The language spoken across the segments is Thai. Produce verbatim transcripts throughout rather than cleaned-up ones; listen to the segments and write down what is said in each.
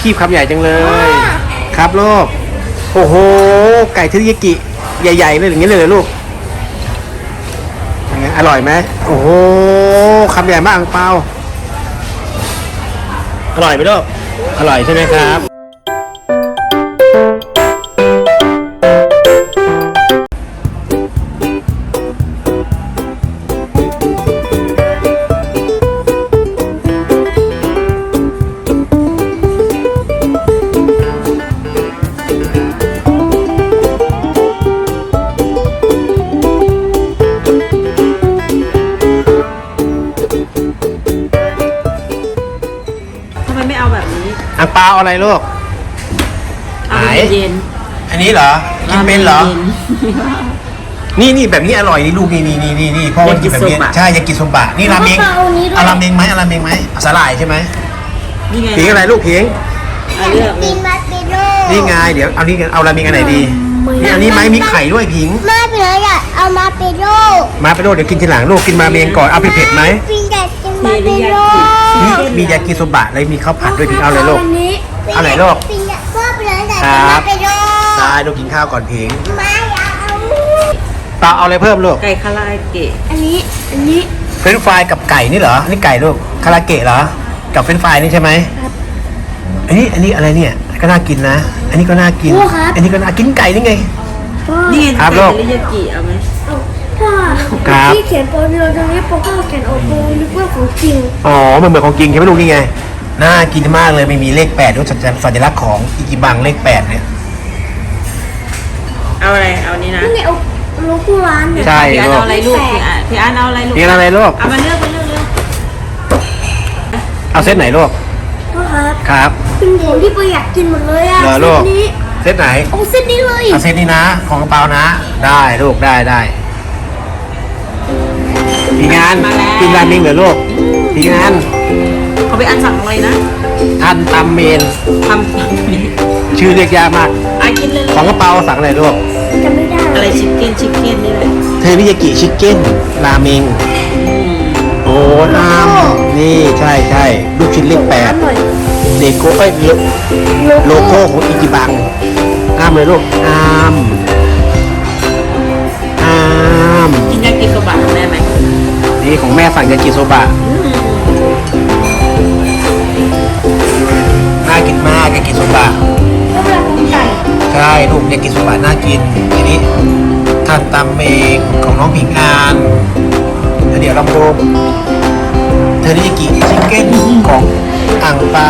คีบคำใหญ่จังเลยครับลูกโอ้โหไก่เทริยากิใหญ่ๆเลยอย่างนี้เลยเลยลูกยังไงอร่อยไหมโอ้โหคำใหญ่มากอังเปาอร่อยไหมลูกอร่อยใช่ไหมครับอังเปาอะไรลูกเอาไปเย็นอันนี้เหรอกินเป็นเหรอนี่นี่แบบนี้อร่อยนี่ลูกนี่นี่นี่นี่นี่พ่อมันกินแบบนี้ใช่ยากิโซบะนี่ราเมงเอาราเมงไหมเอาราเมงไหมสาหร่ายใช่ไหมนี่ไงผิงอะไรลูกผิงเลือกเลยนี่ไงเดี๋ยวเอานี่เอาราเมงอันไหนดีนี่อันนี้ไหมมีไข่ด้วยผิงมาไปเลยอ่ะเอามาเปโร่มาเปโร่เดี๋ยวกินทีหลังลูกกินราเมงก่อนเอาเผ็ดๆไหมพิงอยากกินมาเปโร่นี่มียากิโซบะเลยมีข้าวผัดด้วยผิงเอาเลยลูกเอาไหนลูกพิงอยากมาไปเลยแต่มาเปโร่ใช่ลูกกินข้าวก่อนผิงมาอยากเอาตาเอาอะไรเพิ่มลูกไก่คาราเกะอันนี้อันนี้เฟรนช์ฟรายกับไก่นี่เหรอนี่ไก่ลูกคาราเกะเหรอกับเฟรนช์ฟรายนี่ใช่ไหมอันนี้อันนี้อะไรเนี่ยก็น่ากินนะอันนี้ก็น่ากินอันนี้ก็น่ากินไก่นี่ไงนี่ไงไก่เทริยากิเอาไหมถ้าที่เขียนโปรโมตรงนี้โปรก็เขียนโอโปนึกว่าของจริงอ๋อมันเหมือนของจริงใช่ไหมลูกนี่ไงน่ากินมากเลยไม่มีเลขแปดด้วยสัญลักษณ์ของอิจิบังเลขแปดเนี่ยเอาอะไรเอานี้นะนี่เอาโลโก้ร้านเนี่ยใช่พี่อันเอาอะไรลูกพี่อันพี่อันเอาอะไรลูกพี่อันอะไรลูกเอามาเลือกไปเลือกเลือกเอาเซตไหนลูกครับครับเป็นของที่ประหยัดกินหมดเลยอ่ะเซตนี้เซตไหนเอาเซตนี้เลยเอาเซตนี้นะของกระเป๋านะได้ลูกได้ได้พี่งานกินราเมงเหรอลูกพี่งานเขาไปอันสั่งอะไรนะทันตำเมนทำชื่อเรียกยากมากอ่ะกินเลยของกระเป๋าสั่งอะไรลูกจำไม่ได้อะไรชิคเก้นชิคเก้นนี่เลยเทริยากิชิคเก้นราเมงโอ้น้ำนี่ใช่ใช่ลูกชิ้นเลขแปดเด็กโก้เอ้ยโลโก้ของอิจิบังอ้ามเลยลูกอ้ามอ้ามกินยากิโซบะของแม่ไหมนี่ของแม่สั่งยากิโซบะน่ากินมากยากิโซบะใช่ลูกยากิโซบะน่ากินทีนี้ทานตำเองของน้องผิงอานแล้วเดี๋ยวเราดูเทริยากิชิคเก้นของอ่างเปา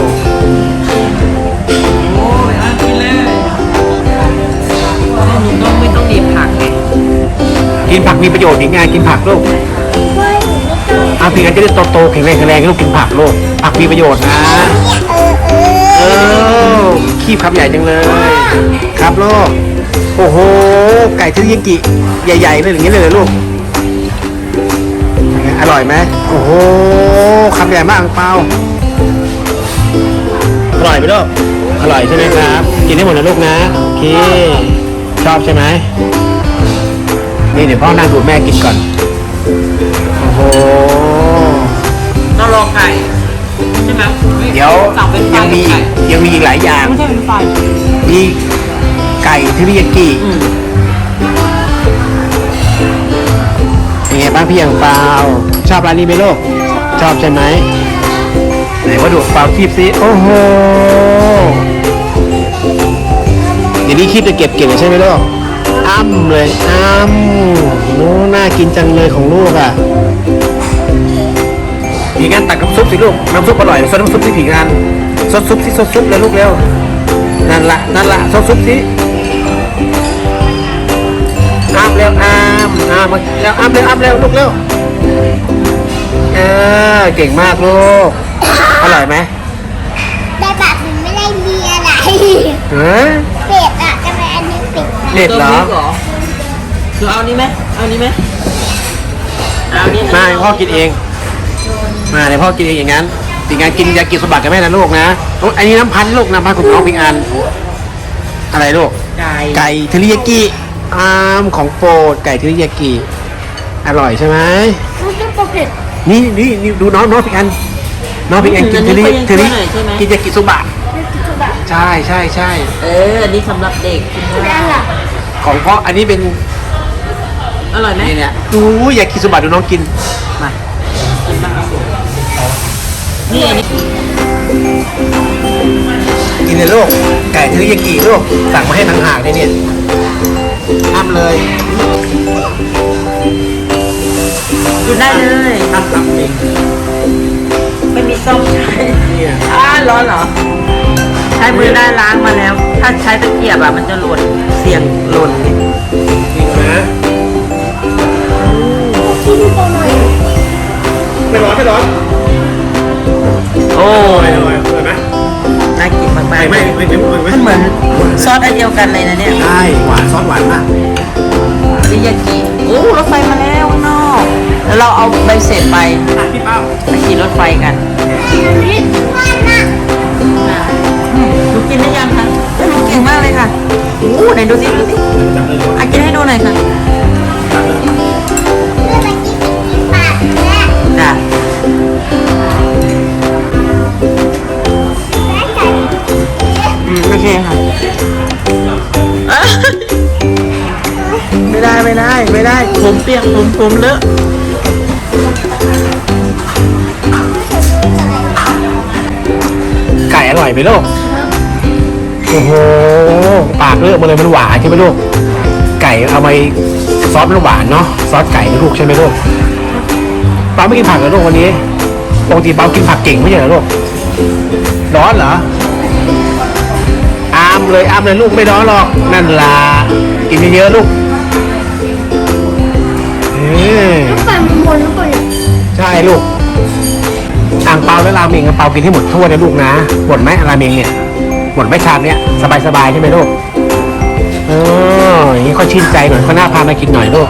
โอ้ยอ่ะกินเลยหนูต้องไม่ต้องดีผักไงกินผักมีประโยชน์ยังไงกินผักลูกอาผิงอานจะได้โตๆแข็งแรงแข็งแรงลูกกินผักลูกผักมีประโยชน์นะเออคีบคำใหญ่จังเลยครับลูกโอ้โหไก่เทริยากิใหญ่ๆเลยอย่างนี้เลยเลยลูกอร่อยไหมโอ้โหคำใหญ่มากอังเปาอร่อยไหมลูกอร่อยใช่ไหมครับกินได้หมดนะลูกนะโอเคชอบใช่ไหมนี่เดี๋ยวพ่อนั่งดูแม่กินก่อนโอ้โหเราลองไก่ใช่ไหมเดี๋ยวยังมียังมีอีกหลายอย่างไม่ใช่เป็นไฟมีไก่เทริยากิเป็นไงบ้างพี่อังเปาชอบร้านนี้ไหมลูกชอบใช่ไหมไหนว่าดูเปาคีบซิโอ้โหเดี๋ยวนี้คีบจะเก็บเก่งใช่ไหมลูกอ้ำเลยอ้ำนู้น่ากินจังเลยของลูกอ่ะผีงานตักน้ำซุปสิลูกน้ำซุปอร่อยซดน้ำซุปสิผีงานซดซุปสิซดซุปเลยลูกเร็วนั่นละนั่นละซดซุปสิอ้ามเร็วอ้ามอ้ามแล้วอ้ามเร็วอ้ามเร็วลูกเร็วเออเก่งมากลูกอร่อยไหมแต่แบบมันไม่ได้มีอะไรเฮ้ยเป็ดอะจะเป็นอันนี้เป็ดเด็ดเหรอคือเอานี้ไหมเอานี้ไหมเอานี้มาพ่อกินเองมาเดี๋ยวพ่อกินเองอย่างนั้นปีงานกินยากิโซบะกับแม่นะลูกนะอันนี้น้ำพันลูกน้ำพันของน้องปีงานอะไรลูกไก่ไก่เทริยากิอ้ามของโปรดไก่เทริยากิอร่อยใช่ไหมนี่นี่นี่ดูน้องน้องปีงานน้องปีงานกินเทริเทริกินยากิโซบะยากิโซบะใช่ใช่ใช่เอออันนี้สำหรับเด็กกินแล้ได้วล่ะของพ่ออันนี้เป็นอร่อยไหมนี่เนี่ยดูอยากกินสบัดดูน้องกินมากินบ้างนี่อันนี้กินเลยลูกไก่เทอริยากิลูกสั่งมาให้ทางหากเลยเนี่ยทำเลยกินได้เลยทำทำเองไม่มีส้มใช้เนี่ยอ่าร้อนเหรอ ใช้มือได้ล้างมาแล้ว ถ้าใช้ตะเกียบอ่ะมันจะหล่นเสี่ยงหล่นจริงนะที่ดูตัวหน่อยไม่ร้อนไม่ร้อนโอ้อร่อยอร่อยอร่อยไหมน่ากินมากไม่ๆไม่ไม่ไม่ไม่มันเหมือนซอสอันเดียวกันเลยนะเนี่ยใช่หวานซอสหวานมากริยากิโอ้รถไฟมาแล้วข้างนอกแล้วเราเอาใบเสร็จไปพี่เป้าไปขี่รถไฟกันอันนี้วันน่ะนะอืมหนูกินได้ยังคะเอ้ยหนูเก่งมากเลยค่ะโอ้ไหนดูสิดูสิอ่ะกินให้ดูหน่อยค่ะเมื่อกี้กินปากแม่จ้ะและไก่อืมโอเคค่ะอ่ะไม่ได้ไม่ได้ไม่ได้ผมเปียกผมผมเลอะไก่อร่อยไหมลูกโอ้โหปากเลอะมาเลยมันหวานใช่ไหมลูกไก่เอาไปซอสมันหวานเนาะซอสไก่นะลูกใช่ไหมลูกป้าไม่กินผักเหรอลูกวันนี้ปกติป้ากินผักเก่งไม่ใช่เหรอลูกร้อนเหรออามเลยอามเลยลูกไม่ร้อนหรอกนั่นล่ะกินเยอะๆลูกเออลูกไก่มันบนลูกไก่ใช่ลูกอ่างเปาและราเมงอ่างเปากินให้หมดถ้วยนะลูกนะหมดไหมราเมงเนี่ยหมดไหมชามเนี้ยสบายๆใช่ไหมลูกเอออย่างนี้ค่อยชื่นใจหน่อยเขาหน้าพามากินหน่อยลูก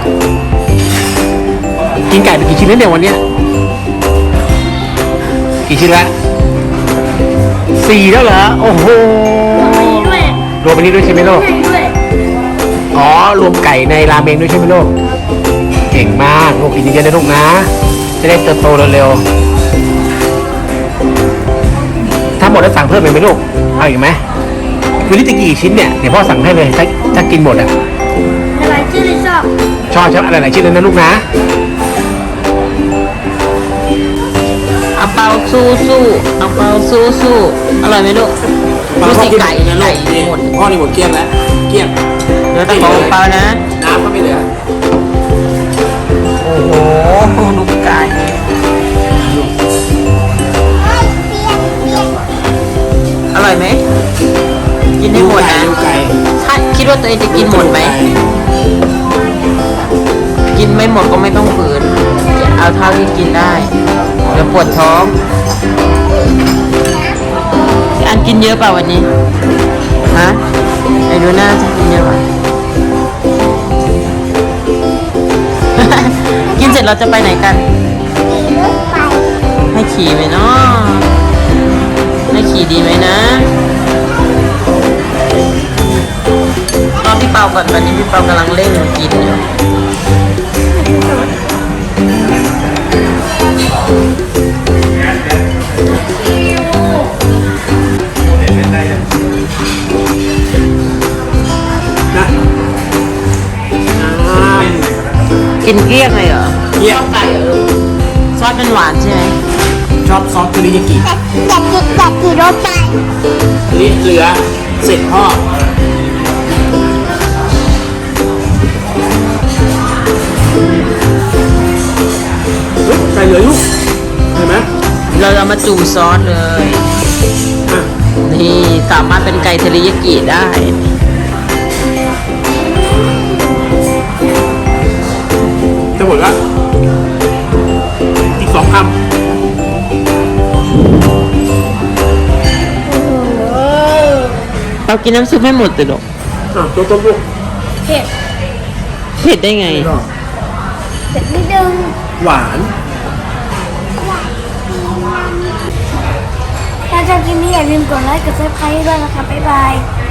กินไก่ไปกี่ชิ้นแล้วเนี่ยวันเนี้ยกี่ชิ้นแล้วสี่แล้วเหรอโอ้โหมีด้วยรวมอันนี้ด้วยใช่ไหมลูกใช่ด้วยอ๋อรวมไก่ในราเมงด้วยใช่ไหมลูกเก่งมากลูกกินเยอะๆนะลูกนะจะได้เติบโตเร็วๆถ้าหมดแล้วสั่งเพิ่มอีกไหมลูกเอาอีกไหมคือนี่จะกี่ชิ้นเนี่ยเดี๋ยวพ่อสั่งให้เลยถ้าถ้ากินหมดอ่ะอะไรที่เราชอบชอบชอบอะไรหลายชิ้นเลยนะลูกนะเอาเปาสู้สู้เอาเปาสู้สู้อร่อยไหมลูกดูสิไก่นะลูกหมดพ่อนี่หมดเกลี้ยงแล้วเกลี้ยงเหลือแต่ของเปานะน้ำก็ไม่เหลือโอ้โหลูกไก่อร่อยไหมกินให้หมดนะดูไก่ถ้าคิดว่าตัวเองจะกินหมดไหมกินไม่หมดก็ไม่ต้องฝืนเอาเท่าที่กินได้เดี๋ยวปวดท้องอันกินเยอะเปล่าวันนี้ฮะไอ้ดูหน้าจะกินเยอะเปล่า กินเสร็จเราจะไปไหนกันมีรถไฟให้ขี่ไหมเนาะให้ขี่ดีไหมนะรอพี่เปาก่อนตอนนี้พี่เปากำลังเร่งกินอยู่กินเกลี้ยงเลยเหรอเกลี้ยงไก่เหรอซอสเป็นหวานใช่ไหมชอบซอสเทอริยากิอยากกินอยากกินรถไฟนี่เหลือเสร็จพ่อเฮ้ยไก่เหลือลูกเห็นไหมเราจะมาจุ่มซอสเลยอ่ะนี่สามารถเป็นไก่เทริยากิได้จะหมดแล้วอีกสองคำเรากินน้ำซุปไม่หมดเลยหรอกอ่ะตัวตัวลูกเผ็ดเผ็ดได้ไงเผ็ดนิดนึงหวานถ้าชอบคลิปนี้อย่าลืมกดไลค์กดซับสไครต์ด้วยนะคะบ๊ายบาย